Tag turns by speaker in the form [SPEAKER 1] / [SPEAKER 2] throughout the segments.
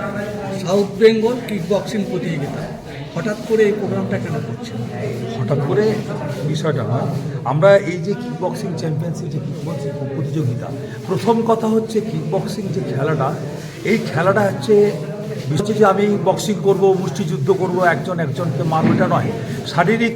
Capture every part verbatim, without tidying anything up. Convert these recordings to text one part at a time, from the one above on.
[SPEAKER 1] South Bengal kick boxing প্রতিযোগিতা, হঠাৎ করে এই প্রোগ্রামটা কেন করছে?
[SPEAKER 2] হঠাৎ করে বিষয়টা নয়, আমরা এই যে কিক বক্সিং চ্যাম্পিয়নশিপ যে কিক বক্সিং প্রতিযোগিতা, প্রথম কথা হচ্ছে কিক বক্সিং যে খেলাটা, এই খেলাটা হচ্ছে হচ্ছে যে আমি বক্সিং করব, মুষ্টিযুদ্ধ করব, একজন একজনকে মারব, এটা নয়। শারীরিক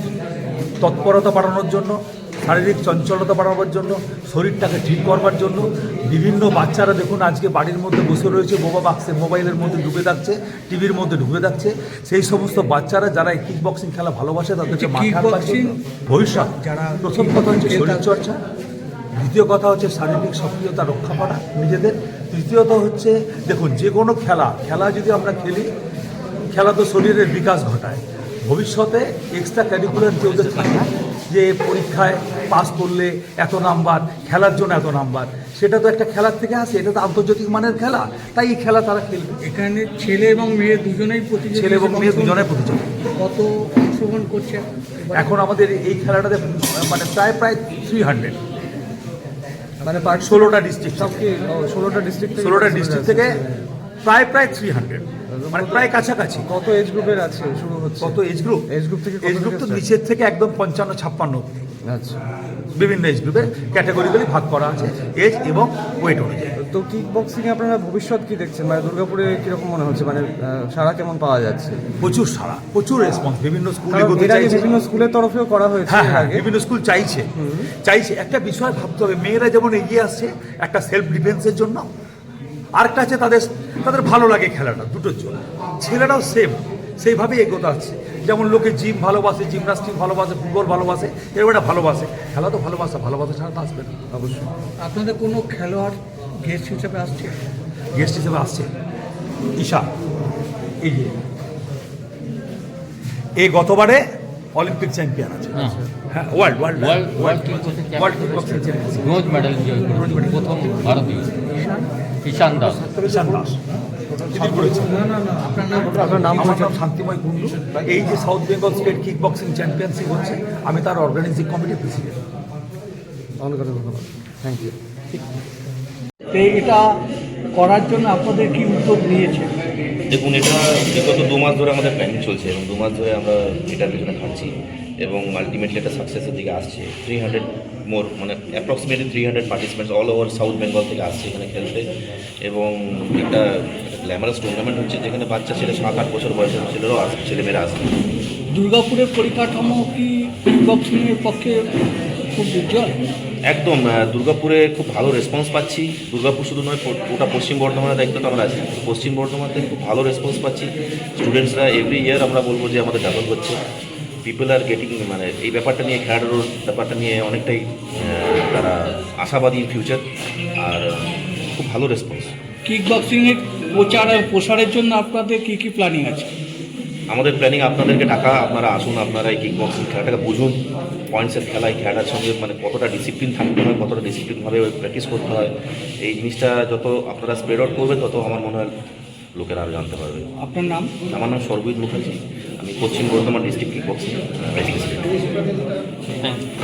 [SPEAKER 2] তৎপরতা বাড়ানোর জন্য, শারীরিক চঞ্চলতা বাড়ানোর জন্য, শরীরটাকে ঠিক করবার জন্য বিভিন্ন বাচ্চারা দেখুন আজকে বাড়ির মধ্যে বসে রয়েছে, বোবা বাক্সে মোবাইলের মধ্যে ডুবে থাকছে, টিভির মধ্যে ডুবে থাকছে। সেই সমস্ত বাচ্চারা যারা এই কিক বক্সিং খেলা ভালোবাসে তাদেরকে মাঠে ভবিষ্যৎ, যারা প্রথম কথা হচ্ছে শরীরচর্চা, দ্বিতীয় কথা হচ্ছে শারীরিক সক্রিয়তা রক্ষা করা নিজেদের, তৃতীয়ত হচ্ছে দেখুন যে কোনো খেলা খেলা যদি আমরা খেলি, খেলা তো শরীরের বিকাশ ঘটায়। ভবিষ্যতে এক্সট্রা ক্যারিকুলার যে ওদের থাকে যে পরীক্ষায় পাস করলে এত নাম্বার, খেলার জন্য এত নাম্বার, সেটা তো একটা খেলার থেকে আসে, এটা তো আন্তর্জাতিক মানের খেলা, তাই এই খেলা তারা খেলবে।
[SPEAKER 1] এখানে ছেলে এবং মেয়ে দুজনেই প্রতিযোগী,
[SPEAKER 2] ছেলে এবং মেয়ে দুজনেই প্রতিযোগী।
[SPEAKER 1] কত অংশগ্রহণ করছে
[SPEAKER 2] এখন আমাদের এই খেলাটাতে মানে প্রায় প্রায় থ্রি হান্ড্রেড মানে ষোলোটা ডিস্ট্রিক্ট
[SPEAKER 3] ষোলোটা ডিস্ট্রিক্ট
[SPEAKER 2] ষোলোটা ডিস্ট্রিক্ট থেকে প্রায় প্রায় থ্রি হান্ড্রেড মানে প্রায় কাছাকাছি।
[SPEAKER 3] কত এজ গ্রুপের আছে শুরু হচ্ছে?
[SPEAKER 2] কত এজ গ্রুপ?
[SPEAKER 3] এজ গ্রুপ থেকে
[SPEAKER 2] এজ গ্রুপ তো নিচের থেকে একদম পঞ্চান্ন ছাপ্পান্ন অব্দি।
[SPEAKER 3] আচ্ছা,
[SPEAKER 2] বিভিন্ন এজ গ্রুপের ক্যাটাগরিগুলি ভাগ করা আছে এজ এবং ওয়েট অনুযায়ী।
[SPEAKER 3] তো কিক বক্সিংয়ে আপনারা ভবিষ্যৎ কি দেখছেন? মানে দুর্গাপুরে কীরকম মনে হচ্ছে, মানে সারা কেমন পাওয়া যাচ্ছে?
[SPEAKER 2] প্রচুর সারা, প্রচুর রেসপন্স বিভিন্ন স্কুলে,
[SPEAKER 3] বিভিন্ন স্কুলের তরফেও করা হয়েছে।
[SPEAKER 2] হ্যাঁ হ্যাঁ, বিভিন্ন স্কুল চাইছে চাইছে একটা বিষয় ভাবতে হবে, মেয়েরা যেমন এগিয়ে আসছে একটা সেলফ ডিফেন্সের জন্য, আরেকটা আছে তাদের তাদের ভালো লাগে খেলাটা, দুটোর জন্য। ছেলেরাও সেম সেইভাবেই এগোতে আসছে, যেমন লোকে জিম ভালোবাসে, জিমনাস্টিক ভালোবাসে, ফুটবল ভালোবাসে, এরকম একটা ভালোবাসে, খেলা তো ভালোবাসা, ভালোবাসা ছাড়া তো আসবে না।
[SPEAKER 3] অবশ্যই।
[SPEAKER 1] আপনাদের কোনো খেলোয়াড় গেস্ট হিসেবে আসছে?
[SPEAKER 2] গেস্ট হিসেবে আসছে ঈশা, এই যে এই গতবারে অলিম্পিক চ্যাম্পিয়ন আছে, হ্যাঁ world world
[SPEAKER 4] world world kick
[SPEAKER 2] world kick boxing champion,
[SPEAKER 4] bronze medal জয় করেছে, প্রথম ভারতীয় ঈশান দাস।
[SPEAKER 2] ঈশান দাস তিনি করেছেন।
[SPEAKER 3] আপনার নাম?
[SPEAKER 2] আমার নাম শান্তিময় কুণ্ডু। এই যে South Bengal state kick boxing championship হচ্ছে, আমি তার অর্গানাইজিং কমিটির প্রেসিডেন্ট।
[SPEAKER 3] অনেক অনেক ধন্যবাদ, থ্যাংক ইউ।
[SPEAKER 1] তো এটা করার জন্য আপনাদের কি উদ্যোগ নিয়েছে?
[SPEAKER 5] দেখুন, এটা বিগত দু মাস ধরে আমাদের প্ল্যানিং চলছে এবং দু মাস ধরে আমরা এটার পেছনে খাটছি এবং আলটিমেটলি একটা সাকসেসের দিকে আসছে। থ্রি হান্ড্রেড মোর মানে approximately three hundred participants all over South Bengal থেকে আসছে এখানে খেলতে এবং একটা গ্ল্যামারাস টুর্নামেন্ট হচ্ছে যেখানে বাচ্চা ছেলে সাত আট বছর বয়সের ছেলেরাও আসছে, ছেলেমেয়েরা আসছে।
[SPEAKER 1] দুর্গাপুরের পরিকাঠামো কি কিক বক্সিংয়ের পক্ষে খুব উজ্জ্বল?
[SPEAKER 5] একদম, দুর্গাপুরে খুব ভালো রেসপন্স পাচ্ছি। দুর্গাপুর শুধু নয়, গোটা পশ্চিম বর্ধমানের দায়িত্ব তো আমরা আছি। পশ্চিম বর্ধমান থেকে খুব ভালো রেসপন্স পাচ্ছি। স্টুডেন্টসরা এভরি ইয়ার আমরা বলবো যে আমাদের ডাবল হচ্ছে। পিপল আর গেটিং, মানে এই ব্যাপারটা নিয়ে, খেলাধুলোর ব্যাপারটা নিয়ে অনেকটাই তারা আশাবাদী ফিউচার, আর খুব ভালো রেসপন্স।
[SPEAKER 1] কিক বক্সিংয়ের প্রচার আর প্রসারের জন্য আপনাদের কী কী প্ল্যানিং আছে?
[SPEAKER 5] আমাদের প্ল্যানিং আপনাদেরকে ডাকা, আপনারা আসুন, আপনারা এই কিক বক্সিং খেলাটাকে বুঝুন, পয়েন্টসের খেলা, এই খেলাটার সঙ্গে মানে কতটা ডিসিপ্লিন থাকতে হয়, কতটা ডিসিপ্লিনভাবে প্র্যাকটিস করতে হয়। এই জিনিসটা যত আপনারা স্প্রেড আউট করবেন তত আমার মনে হয় লোকেরা আরও জানতে পারবে।
[SPEAKER 1] আপনার নাম?
[SPEAKER 5] আমার নাম সর্বজিৎ মুখার্জি, আমি Paschim Bardhaman district kick boxing president.